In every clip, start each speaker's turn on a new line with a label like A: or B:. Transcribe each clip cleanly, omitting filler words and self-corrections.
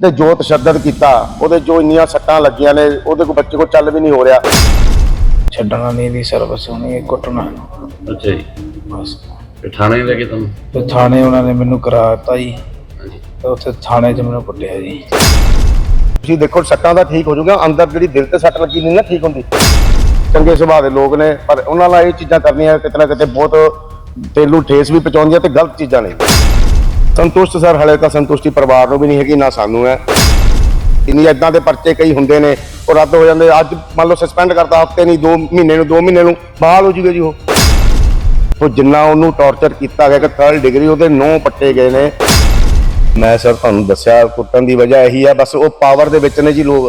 A: ਤੇ ਜੋ ਤਸ਼ੱਦਦ ਕੀਤਾ ਉਹਦੇ ਜੋ ਇੰਨੀਆਂ ਸੱਟਾਂ ਲੱਗੀਆਂ ਨੇ ਉਹਦੇ ਕੋ ਬੱਚੇ ਕੋ ਚੱਲ ਵੀ ਨਹੀਂ ਹੋ ਰਿਹਾ।
B: ਛੱਡਣਾ ਨਹੀਂ ਦੀ ਸਰਵਿਸ ਹੋਣੀ ਕੁੱਟਣਾ।
C: ਅੱਛਾ ਜੀ,
B: ਬਸ
C: ਤੇ ਥਾਣੇ ਲੈ ਕੇ ਤੁਹਾਨੂੰ?
B: ਤੇ ਥਾਣੇ ਉਹਨਾਂ ਨੇ ਮੈਨੂੰ ਕਰਾ ਦਿੱਤਾ ਜੀ,
C: ਹਾਂਜੀ,
B: ਤੇ ਉੱਥੇ ਥਾਣੇ 'ਚ ਮੈਨੂੰ ਕੁੱਟਿਆ ਜੀ।
A: ਤੁਸੀਂ ਦੇਖੋ ਸੱਟਾਂ ਦਾ ਠੀਕ ਹੋ ਜਾਊਗਾ, ਅੰਦਰ ਜਿਹੜੀ ਦਿਲ ਤੇ ਸੱਟ ਲੱਗੀ ਨਹੀਂ ਨਾ ਠੀਕ ਹੁੰਦੀ। ਚੰਗੇ ਸੁਭਾਅ ਦੇ ਲੋਕ ਨੇ ਪਰ ਉਹਨਾਂ ਨਾਲ ਇਹ ਚੀਜ਼ਾਂ ਕਰਨੀਆਂ ਕਿਤੇ ਨਾ ਕਿਤੇ ਬਹੁਤ ਦਿਲ ਨੂੰ ਠੇਸ ਵੀ ਪਹੁੰਚਾਉਂਦੀਆਂ ਤੇ ਗਲਤ ਚੀਜ਼ਾਂ ਨੇ। ਸੰਤੁਸ਼ਟ ਸਰ ਹਲੇ ਤਾਂ ਸੰਤੁਸ਼ਟੀ ਪਰਿਵਾਰ ਨੂੰ ਵੀ ਨਹੀਂ ਹੈਗੀ ਨਾ ਸਾਨੂੰ ਹੈ। ਇੰਨੀ ਇਦਾਂ ਦੇ ਪਰਚੇ ਕਈ ਹੁੰਦੇ ਨੇ ਉਹ ਰੱਦ ਹੋ ਜਾਂਦੇ। ਅੱਜ ਮੰਨ ਲਓ ਸਸਪੈਂਡ ਕਰਤਾ ਹਫਤੇ ਨਹੀਂ 2 ਮਹੀਨੇ ਨੂੰ 2 ਮਹੀਨੇ ਨੂੰ ਬਹਾਲ ਹੋ ਜੂਗਾ ਜੀ। ਉਹ ਜਿੰਨਾ ਉਹਨੂੰ ਟੌਰਚਰ ਕੀਤਾ ਗਿਆ ਕਿ 3rd ਡਿਗਰੀ ਉਹਦੇ 9 ਪੱਟੇ ਗਏ ਨੇ। ਮੈਂ ਸਰ ਤੁਹਾਨੂੰ ਦੱਸਿਆ ਕੁੱਟਣ ਦੀ ਵਜ੍ਹਾ ਇਹੀ ਹੈ, ਬਸ ਉਹ ਪਾਵਰ ਦੇ ਵਿੱਚ ਨੇ ਜੀ ਲੋਕ।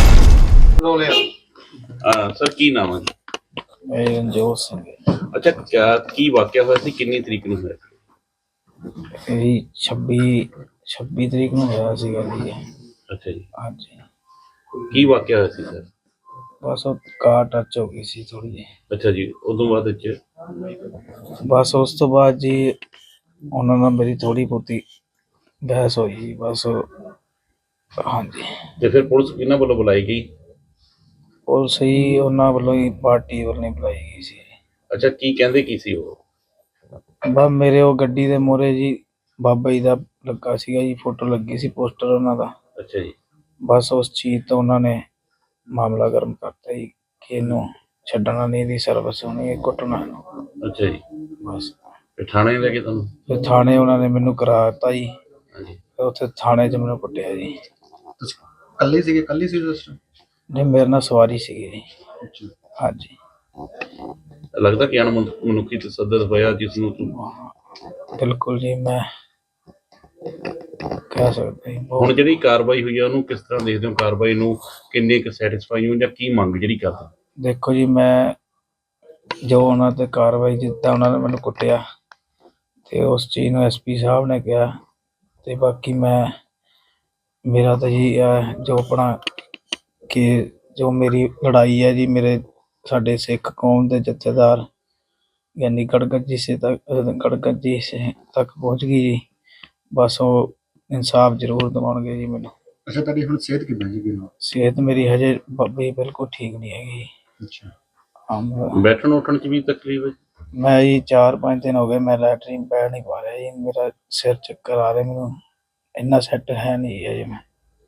C: ਸਰ ਕੀ ਨਾਮ ਹੈ?
B: ਇਹ ਰਣਜੋਤ ਸਿੰਘ ਹੈ।
C: ਅੱਛਾ, ਕੀ ਵਾਕਿਆ ਹੋਇਆ ਸੀ, ਕਿੰਨੀ ਤਰੀਕ ਨੂੰ ਹੋਇਆ?
B: ਇਹ 26 ਤਰੀਕ ਨੂੰ ਹੋਇਆ ਸੀਗਾ ਜੀ।
C: ਅੱਛਾ ਜੀ,
B: ਹਾਂਜੀ,
C: ਕੀ ਵਾਕਿਆ ਹੋਇਆ ਸੀ ਸਰ?
B: ਬਸ ਉਹ ਕਾਰ ਟੱਚ ਹੋ ਗਈ ਸੀ ਥੋੜੀ ਜਿਹੀ।
C: ਅੱਛਾ ਜੀ, ਉਦੋਂ ਬਾਅਦ ਵਿੱਚ?
B: ਬਸ ਉਸ ਤੋਂ ਬਾਅਦ ਜੀ ਉਹਨਾਂ ਨਾਲ ਮੇਰੀ ਥੋੜੀ ਬਹੁਤੀ ਬਹਿਸ ਹੋਈ ਬਸ। ਹਾਂਜੀ,
C: ਤੇ ਫਿਰ ਪੁਲਿਸ ਕਿਹਨਾਂ ਵੱਲੋਂ ਬੁਲਾਈ ਗਈ?
B: ਉਹ ਸਹੀ ਉਹਨਾਂ ਵੱਲੋਂ ਹੀ ਪਾਰਟੀ ਵੱਲੋਂ ਹੀ ਬੁਲਾਈ ਗਈ ਸੀ।
C: ਅੱਛਾ, ਕੀ ਕਹਿੰਦੇ ਕੀ ਸੀ ਉਹ?
B: ਬਸ ਮੇਰੇ ਉਹ ਗੱਡੀ ਦੇ ਮੂਹਰੇ ਜੀ ਬਾਬਾ ਜੀ ਦਾ ਲੱਗਾ ਸੀਗਾ ਜੀ, ਫੋਟੋ ਲੱਗੀ ਸੀ, ਪੋਸਟਰ ਉਹਨਾਂ ਦਾ।
C: ਅੱਛਾ ਜੀ,
B: ਬਸ ਉਸ ਚੀਜ਼ ਤੋਂ ਉਹਨਾਂ ਨੇ ਮਾਮਲਾ ਗਰਮ ਕਰਤਾ ਜੀ ਕਿ ਇਹਨੂੰ ਛੱਡਣਾ ਨਹੀਂ, ਦੀ ਸਰਵਿਸ ਹੋਣੀ ਕੁੱਟਣਾ ਇਹਨੂੰ।
C: ਅੱਛਾ ਜੀ,
B: ਬਸ
C: ਤੇ ਥਾਣੇ ਲੈ ਕੇ ਤੁਹਾਨੂੰ?
B: ਫਿਰ ਥਾਣੇ ਉਹਨਾਂ ਨੇ ਮੈਨੂੰ ਕਰਾ ਦਿੱਤਾ ਜੀ,
C: ਹਾਂਜੀ,
B: ਤੇ ਉੱਥੇ ਥਾਣੇ 'ਚ ਮੈਨੂੰ ਕੁੱਟਿਆ ਜੀ।
D: ਤੁਸੀਂ ਇਕੱਲੇ ਸੀਗੇ? ਇਕੱਲੇ ਸੀ ਉਸ ਟਾਈਮ?
B: ਨਹੀਂ, ਮੇਰੇ ਨਾਲ ਸਵਾਰੀ ਸੀਗੀ ਜੀ।
D: ਅੱਛਾ।
B: ਹਾਂਜੀ,
C: ਲੱਗਦਾ ਕਿ ਮਨੁੱਖੀ ਤਸੱਦਦ ਹੋਇਆ ਜਿਸ ਨੂੰ ਤੂੰ?
B: ਬਿਲਕੁਲ ਜੀ, ਮੈਂ ਕਹਿ ਸਕਦਾ ਜੀ
C: ਹੁਣ
B: ਬਹੁਤ।
C: ਜਿਹੜੀ ਕਾਰਵਾਈ ਹੋਈ ਹੈ ਉਹਨੂੰ ਕਿਸ ਤਰ੍ਹਾਂ ਦੇਖਦੇ ਹੋ? ਕਾਰਵਾਈ ਨੂੰ ਕਿੰਨੇ ਕੁ ਸੈਟੀਸਫਾਈ ਹੋ ਜਾਂ ਕੀ ਮੰਗ ਜਿਹੜੀ ਕਰਦੇ?
B: ਦੇਖੋ ਜੀ, ਮੈਂ ਜੋ ਉਹਨਾਂ ਤੇ ਕਾਰਵਾਈ ਜਿੱਦਾਂ ਉਹਨਾਂ ਨੇ ਮੈਨੂੰ ਕੁੱਟਿਆ ਤੇ ਉਸ ਚੀਜ਼ ਨੂੰ ਐਸਪੀ ਸਾਹਿਬ ਨੇ ਕਿਹਾ, ਤੇ ਬਾਕੀ ਮੇਰਾ ਤਾਂ ਜੀ ਜੋ ਆਪਣਾ ਕਿ ਜੋ ਮੇਰੀ ਲੜਾਈ ਹੈ ਜੀ, ਮੇਰੇ ਸਾਡੇ ਸਿੱਖ ਕੌਮ ਦੇ ਜਥੇਦਾਰ ਯਾਨੀ ਗੜਗੱਜੀ ਤੱਕ ਪਹੁੰਚ ਗਈ ਜੀ। ਬਸ ਉਹ ਇਨਸਾਫ ਜ਼ਰੂਰ ਦਿਵਾਉਣਗੇ ਜੀ ਮੈਨੂੰ।
D: ਅੱਛਾ, ਤੁਹਾਡੀ ਹੁਣ ਸਿਹਤ ਕਿੱਦਾਂ ਜੀ?
B: ਸਿਹਤ ਮੇਰੀ ਹਜੇ ਬਾਬੇ ਬਿਲਕੁਲ ਠੀਕ ਨਹੀਂ ਹੈਗੀ।
D: ਅੱਛਾ।
C: ਬੈਠਣ ਉੱਠਣ 'ਚ ਵੀ ਤਕਲੀਫ ਹੈ?
B: ਮੈਂ ਜੀ 4-5 ਦਿਨ ਹੋ ਗਏ ਮੈਂ ਲੈਟਰੀਨ ਪੈ ਨਹੀਂ ਪਾ ਰਿਹਾ ਜੀ। ਮੇਰਾ ਸਿਰ ਚੱਕਰ ਆ ਰਿਹਾ, ਮੈਨੂੰ ਇੰਨਾ ਸੈੱਟ ਹੈ ਨਹੀਂ ਹੈ ਜੀ। ਮੈਂ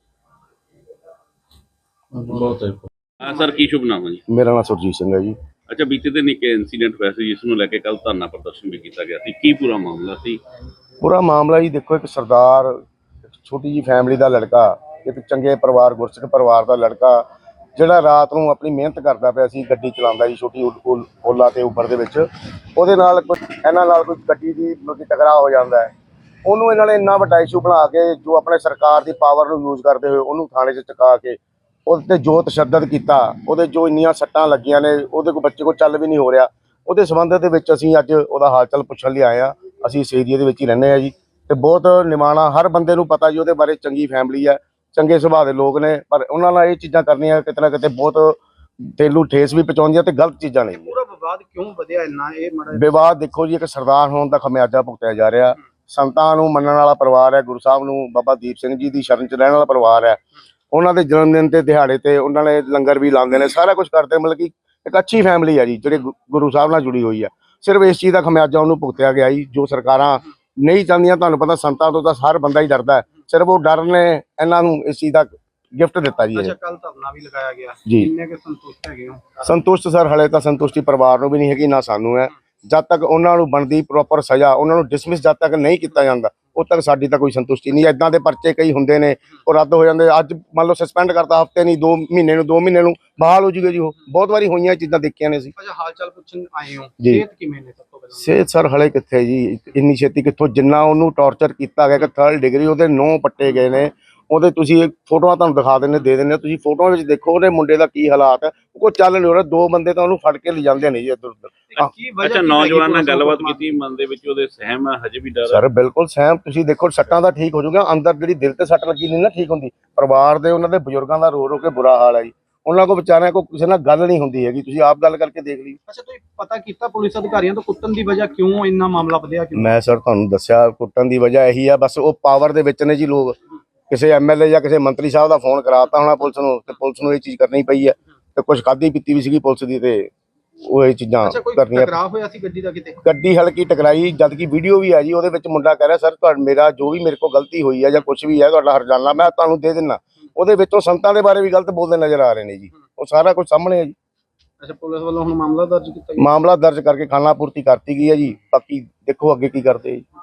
C: ਬਹੁਤ ਹੈ। ਹਾਂ ਸਰ, ਕੀ ਸ਼ੁਭ ਨਾਮ ਹੈ ਜੀ?
A: ਮੇਰਾ ਨਾਮ ਸੁਰਜੀਤ ਸਿੰਘ ਹੈ ਜੀ।
C: ਅੱਛਾ, ਬੀਤੇ ਦਿਨ ਇੱਕ ਇਨਸੀਡੈਂਟ ਹੋਇਆ ਸੀ ਜਿਸ ਨੂੰ ਲੈ ਕੇ ਕੱਲ ਧਰਨਾ ਪ੍ਰਦਰਸ਼ਨ ਵੀ ਕੀਤਾ ਗਿਆ ਸੀ, ਕੀ ਪੂਰਾ ਮਾਮਲਾ ਸੀ?
A: ਪੂਰਾ ਮਾਮਲਾ ਜੀ ਦੇਖੋ, ਇੱਕ ਸਰਦਾਰ, ਇੱਕ ਛੋਟੀ ਜੀ ਫੈਮਿਲੀ ਦਾ ਲੜਕਾ, ਇੱਕ ਚੰਗੇ ਪਰਿਵਾਰ ਗੁਰਸਿੱਖ ਪਰਿਵਾਰ ਦਾ ਲੜਕਾ ਜਿਹੜਾ ਰਾਤ ਨੂੰ ਆਪਣੀ ਮਿਹਨਤ ਕਰਦਾ ਪਿਆ ਸੀ, ਗੱਡੀ ਚਲਾਉਂਦਾ ਜੀ ਛੋਟੀ ਓਲਾ ਤੇ ਉਬਰ ਦੇ ਵਿੱਚ। ਉਹਦੇ ਨਾਲ ਇਹਨਾਂ ਨਾਲ ਕੋਈ ਗੱਡੀ ਦੀ ਟਕਰਾਅ ਹੋ ਜਾਂਦਾ ਹੈ। ਉਹਨੂੰ ਇਹਨਾਂ ਨੇ ਇੰਨਾ ਵੱਡਾ ਇਸ਼ੂ ਬਣਾ ਕੇ ਜੋ ਆਪਣੇ ਸਰਕਾਰ ਦੀ ਪਾਵਰ ਨੂੰ ਯੂਜ਼ ਕਰਦੇ ਹੋਏ ਉਹਨੂੰ ਥਾਣੇ 'ਚ ਚੁਕਾ ਕੇ ਉਹਦੇ ਤੇ ਜੋ ਤਸ਼ੱਦਦ ਕੀਤਾ, ਉਹਦੇ ਜੋ ਇੰਨੀਆਂ ਸੱਟਾਂ ਲੱਗੀਆਂ ਨੇ ਉਹਦੇ ਕੋਲ ਬੱਚੇ ਕੋਲ ਚੱਲ ਵੀ ਨਹੀਂ ਹੋ ਰਿਹਾ। ਉਹਦੇ ਸੰਬੰਧ ਦੇ ਵਿੱਚ ਅਸੀਂ ਅੱਜ ਉਹਦਾ ਹਾਲ ਚਾਲ ਪੁੱਛਣ ਲਈ ਆਏ ਹਾਂ। ਅਸੀਂ ਇਸ ਏਰੀਏ ਦੇ ਵਿੱਚ ਹੀ ਰਹਿੰਦੇ ਹਾਂ ਜੀ, ਤੇ ਬਹੁਤ ਨਿਮਾਣਾ ਹਰ ਬੰਦੇ ਨੂੰ ਪਤਾ ਜੀ ਉਹਦੇ ਬਾਰੇ। ਚੰਗੀ ਫੈਮਿਲੀ ਹੈ, ਚੰਗੇ ਸੁਭਾਅ ਦੇ ਲੋਕ ਨੇ ਪਰ ਉਹਨਾਂ ਨਾਲ ਇਹ ਚੀਜ਼ਾਂ ਕਰਨੀਆਂ ਕਿਤੇ ਨਾ ਕਿਤੇ ਬਹੁਤ ਦਿਲ ਨੂੰ ਠੇਸ ਵੀ ਪਹੁੰਚਾਉਂਦੀਆਂ ਤੇ ਗਲਤ ਚੀਜ਼ਾਂ ਨੇ।
D: ਪੂਰਾ ਵਿਵਾਦ ਕਿਉਂ ਵਧਿਆ ਇੰਨਾ? ਇਹ ਮਾੜਾ
A: ਵਿਵਾਦ ਦੇਖੋ ਜੀ, ਇੱਕ ਸਰਦਾਰ ਹੋਣ ਦਾ ਖਮਿਆਜਾ ਭੁਗਤਿਆ ਜਾ ਰਿਹਾ। ਸੰਤਾਂ ਨੂੰ ਮੰਨਣ ਵਾਲਾ ਪਰਿਵਾਰ ਹੈ, ਗੁਰੂ ਸਾਹਿਬ ਨੂੰ ਬਾਬਾ ਦੀਪ ਸਿੰਘ ਜੀ ਦੀ ਸ਼ਰਨ 'ਚ ਰਹਿਣ ਵਾਲਾ ਪਰਿਵਾਰ ਹੈ। ਉਹਨਾਂ ਦੇ ਜਨਮ ਦਿਨ ਤੇ ਦਿਹਾੜੇ ਤੇ ਉਹਨਾਂ ਨੇ ਲੰਗਰ ਵੀ ਲਾਉਂਦੇ ਨੇ, ਸਾਰਾ ਕੁਝ ਕਰਦੇ। ਮਤਲਬ ਕਿ ਇੱਕ ਅੱਛੀ ਫੈਮਿਲੀ ਹੈ ਜੀ ਜਿਹੜੀ ਗੁਰੂ ਸਾਹਿਬ ਨਾਲ ਜੁੜੀ ਹੋਈ ਹੈ। ਸਿਰਫ ਇਸ ਚੀਜ਼ ਦਾ ਖਮਿਆਜਾ ਉਹਨੂੰ ਭੁਗਤਿਆ ਗਿਆ ਜੀ, ਜੋ ਸਰਕਾਰਾਂ ਨਹੀਂ ਚਾਹੁੰਦੀਆਂ। ਤੁਹਾਨੂੰ ਪਤਾ ਸੰਤਾਂ ਤੋਂ ਤਾਂ ਹਰ ਬੰਦਾ ਹੀ ਡਰਦਾ ਹੈ, ਸਿਰਫ ਉਹ ਡਰ ਨੇ ਇਹਨਾਂ ਨੂੰ ਇਸ ਚੀਜ਼ ਦਾ ਗਿਫਟ ਦਿੱਤਾ ਜੀ।
D: ਅੱਛਾ, ਕੱਲ ਧਰਨਾ ਵੀ ਲਗਾਇਆ ਗਿਆ
A: ਜੀ।
D: ਕਿੰਨੇ ਕੁ ਸੰਤੁਸ਼ਟ ਹੈਗੇ ਹੋ?
A: ਸੰਤੁਸ਼ਟ ਸਰ ਹਲੇ ਤਾਂ ਸੰਤੁਸ਼ਟੀ ਪਰਿਵਾਰ ਨੂੰ ਵੀ ਨਹੀਂ ਹੈਗੀ ਨਾ ਸਾਨੂੰ ਹੈ। ਜਦ ਤੱਕ ਉਹਨਾਂ ਨੂੰ ਬਣਦੀ ਪ੍ਰੋਪਰ ਸਜ਼ਾ, ਉਹਨਾਂ ਨੂੰ ਡਿਸਮਿਸ ਜਦ ਤੱਕ ਨਹੀਂ ਕੀਤਾ ਜਾਂਦਾ ਉਦ ਤੱਕ ਸਾਡੀ ਤਾਂ ਕੋਈ ਸੰਤੁਸ਼ਟੀ ਨਹੀਂ। ਇਦਾਂ ਦੇ ਪਰਚੇ ਕਈ ਹੁੰਦੇ ਨੇ ਉਹ ਰੱਦ ਹੋ ਜਾਂਦੇ। ਅੱਜ ਮੰਨ ਲਓ ਸਸਪੈਂਡ ਕਰਤਾ ਹਫਤੇ ਨਹੀਂ 2 ਮਹੀਨੇ ਨੂੰ 2 ਮਹੀਨੇ ਨੂੰ ਬਹਾਲ ਹੋ ਜੂਗਾ ਜੀ। ਉਹ ਬਹੁਤ ਵਾਰੀ ਹੋਈਆਂ ਚੀਜ਼ਾਂ ਦੇਖੀਆਂ ਨੇ ਅਸੀਂ।
D: ਅੱਛਾ, ਹਾਲ ਚਾਲ ਪੁੱਛਣ ਆਏ ਹੋ,
A: ਜੀ।
D: ਸਿਹਤ ਕਿਵੇਂ ਨੇ ਸਭ ਤੋਂ ਪਹਿਲਾਂ?
A: ਸਿਹਤ ਸਰ ਹਲੇ ਕਿੱਥੇ ਜੀ, ਇੰਨੀ ਛੇਤੀ ਕਿੱਥੋਂ। ਜਿੰਨਾ ਉਹਨੂੰ ਟੌਰਚਰ ਕੀਤਾ ਗਿਆ ਕਿ 3rd ਡਿਗਰੀ ਉਹਦੇ 9 ਪੱਟੇ ਗਏ ਨੇ। ਉਹਦੇ ਤੁਸੀਂ ਫੋਟੋਆਂ ਤੁਹਾਨੂੰ ਦਿਖਾ ਦਿੰਦੇ ਦੇ ਦਿੰਦੇ, ਤੁਸੀਂ ਫੋਟੋਆਂ ਵਿੱਚ ਦੇਖੋ ਉਹਦੇ ਮੁੰਡੇ ਦਾ ਕੀ ਹਾਲਾਤ ਹੈ। ਉਹ ਚੱਲ ਨਹੀਂ ਹੋ ਰਿਹਾ, 2 ਬੰਦੇ ਤਾਂ ਉਹਨੂੰ ਫੜ ਕੇ ਲਿਜਾਂਦੇ ਨੇ ਜੀ ਇੱਧਰ ਉੱਧਰ।
D: ਕੀ ਵਜ੍ਹਾ
C: ਅੱਛਾ, ਨੌਜਵਾਨ ਨਾਲ ਗੱਲਬਾਤ ਕੀਤੀ, ਮਨ ਦੇ ਵਿੱਚ ਉਹਦੇ ਸਹਿਮ ਹੈ, ਹਜੇ ਵੀ ਡਰ ਹੈ?
A: ਸਰ ਬਿਲਕੁਲ ਸਹਿਮ। ਤੁਸੀਂ ਦੇਖੋ ਸੱਟਾਂ ਦਾ ਠੀਕ ਹੋ ਜਾਊਗਾ, ਅੰਦਰ ਜਿਹੜੀ ਦਿਲ ਤੇ ਸੱਟ ਲੱਗੀ ਨਹੀਂ ਨਾ ਠੀਕ ਹੁੰਦੀ। ਪਰਿਵਾਰ ਦੇ ਉਹਨਾਂ ਦੇ ਬਜ਼ੁਰਗਾਂ ਦਾ ਰੋ ਰੋ ਕੇ ਬੁਰਾ ਹਾਲ ਹੈ ਜੀ। ਉਹਨਾਂ ਕੋਲ ਵਿਚਾਰਿਆਂ ਕੋਲ ਕਿਸੇ ਨਾਲ ਗੱਲ ਨਹੀਂ ਹੁੰਦੀ ਹੈਗੀ। ਤੁਸੀਂ ਆਪ ਗੱਲ ਕਰਕੇ ਦੇਖ ਲਈ।
D: ਅੱਛਾ, ਤੁਸੀਂ ਪਤਾ ਕੀਤਾ ਪੁਲਿਸ ਅਧਿਕਾਰੀਆਂ ਤੋਂ ਕੁੱਟਣ ਦੀ ਵਜ੍ਹਾ ਕਿਉਂ ਇੰਨਾ ਮਾਮਲਾ ਵਧਿਆ? ਕਿਉਂ?
A: ਮੈਂ ਸਰ ਤੁਹਾਨੂੰ ਦੱਸਿਆ ਕੁੱਟਣ ਦੀ ਵਜ੍ਹਾ ਇਹੀ ਆ, ਬਸ ਉਹ ਪਾਵਰ ਦੇ ਵਿੱਚ ਨੇ ਜੀ ਲੋਕ। ਕਿਸੇ ਐਮਐਲਏ ਜਾਂ ਕਿਸੇ ਮੰਤਰੀ ਸਾਹਿਬ ਦਾ ਫੋਨ ਕਰਾਤਾ ਹੋਣਾ ਪੁਲਿਸ ਨੂੰ, ਤੇ ਪੁਲਿਸ ਨੂੰ ਇਹ ਚੀਜ਼ ਕਰਨੀ ਪਈ ਹੈ। ਤੇ ਕੁਝ ਖਾਧੀ ਪੀਤੀ ਵੀ ਸੀਗੀ ਪੁਲਿਸ ਦੀ, ਤੇ ਉਹ ਇਹ ਚੀਜ਼ਾਂ
D: ਅੱਛਾ, ਕੋਈ
A: ਕਰਨੀਆਂ।
D: ਟਕਰਾਅ ਹੋਇਆ ਸੀ ਗੱਡੀ ਦਾ ਕਿਤੇ?
A: ਗੱਡੀ ਹਲਕੀ ਟਕਰਾਈ, ਜਦ ਕਿ ਵੀਡੀਓ ਵੀ ਆ ਜੀ, ਉਹਦੇ ਵਿੱਚ ਮੁੰਡਾ ਕਹਿ ਰਿਹਾ ਸਰ ਤੁਹਾਡਾ ਮੇਰਾ ਜੋ ਵੀ ਮੇਰੇ ਕੋਲ ਗਲਤੀ ਹੋਈ ਹੈ ਜਾਂ ਕੁਝ ਵੀ ਹੈ ਤੁਹਾਡਾ ਹਰਜਾਨਾ ਮੈਂ ਤੁਹਾਨੂੰ ਦੇ ਦਿੰਦਾ। ਉਹਦੇ ਵਿੱਚੋਂ ਸੰਤਾਂ ਦੇ ਬਾਰੇ ਵੀ ਗਲਤ ਬੋਲਦੇ ਨਜ਼ਰ ਆ ਰਹੇ ਨੇ ਜੀ, ਉਹ ਸਾਰਾ ਕੁਝ ਸਾਹਮਣੇ ਹੈ ਜੀ।
D: ਅੱਛਾ, ਪੁਲਿਸ ਵੱਲੋਂ ਹੁਣ ਮਾਮਲਾ ਦਰਜ ਕੀਤਾ ਗਿਆ?
A: ਮਾਮਲਾ ਦਰਜ ਕਰਕੇ ਖਾਨਾ ਪੂਰਤੀ ਕਰਤੀ ਗਈ ਹੈ ਜੀ, ਬਾਕੀ ਦੇਖੋ ਅੱਗੇ ਕੀ ਕਰਦੇ ਜੀ।